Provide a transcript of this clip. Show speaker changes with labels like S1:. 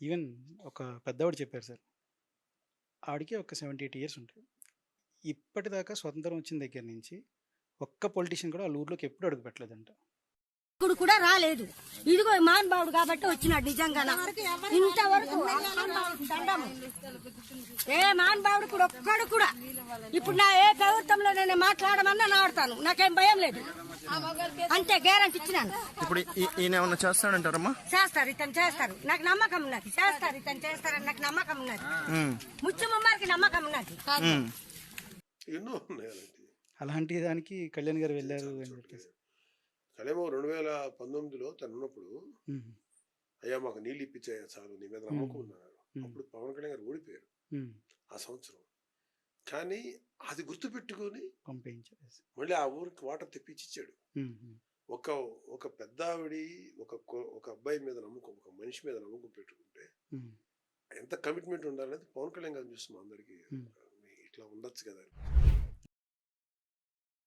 S1: Even ఒక పెద్దవాడు చెప్పారు సార్. ఆడికి ఒక 78 ఇయర్స్ ఉంటాయి. ఇప్పటిదాకా స్వతంత్రం వచ్చిన దగ్గర నుంచి ఒక్క పొలిటీషియన్ కూడా ఆళ్ళ ఊర్లోకి ఎప్పుడు అడుగు పెట్టలేదంట.
S2: ఇప్పుడు కూడా రాలేదు. ఇదిగో మహానుభావుడు కాబట్టి వచ్చినాడు. నిజంగా ఇంతవరకు దండము. ఏ మహానుభావుడు కూడా ఒక్కడు కూడా ఇప్పుడు నా ఏ ప్రభుత్వంలో నేను మాట్లాడమన్నా నాడతాను. నాకేం భయం లేదు. అంతే గ్యారంటీ ఇచ్చినాను.
S3: ఇప్పుడు ఈయన ఏమన్నా చేస్తాడంటారమ్మా?
S2: చేస్తారు, ఇతను చేస్తారు. నాకు నమ్మకం ఉన్నది. చేస్తారు, ఇతను చేస్తారని నాకు నమ్మకం ఉన్నది. ముత్యమ్మకి నమ్మకం ఉన్నది.
S4: ఎన్నో ఉన్నాయి
S1: అలాంటి దానికి కళ్యాణ్ గారు వెళ్ళారు అని చెప్పేసి.
S4: కళ్యాణ్ 2019లో తను ఉన్నప్పుడు అయ్యా మాకు నీళ్ళు ఇప్పించాయా చాలు, నీ మీద నమ్మకం ఉన్నారు. అప్పుడు పవన్ కళ్యాణ్ గారు ఓడిపోయారు ఆ సంవత్సరం. కానీ అది గుర్తు పెట్టుకుని
S1: పంపించారు,
S4: మళ్ళీ ఆ ఊరికి వాటర్ తెప్పించి ఇచ్చాడు. ఒక పెద్ద ఆవిడి ఒక అబ్బాయి మీద నమ్మకం, ఒక మనిషి మీద నమ్మకం పెట్టుకుంటే ఎంత కమిట్మెంట్ ఉండాలనేది పవన్ కళ్యాణ్ గారు చూస్తున్నాం అందరికి. ఇట్లా ఉండొచ్చు కదా.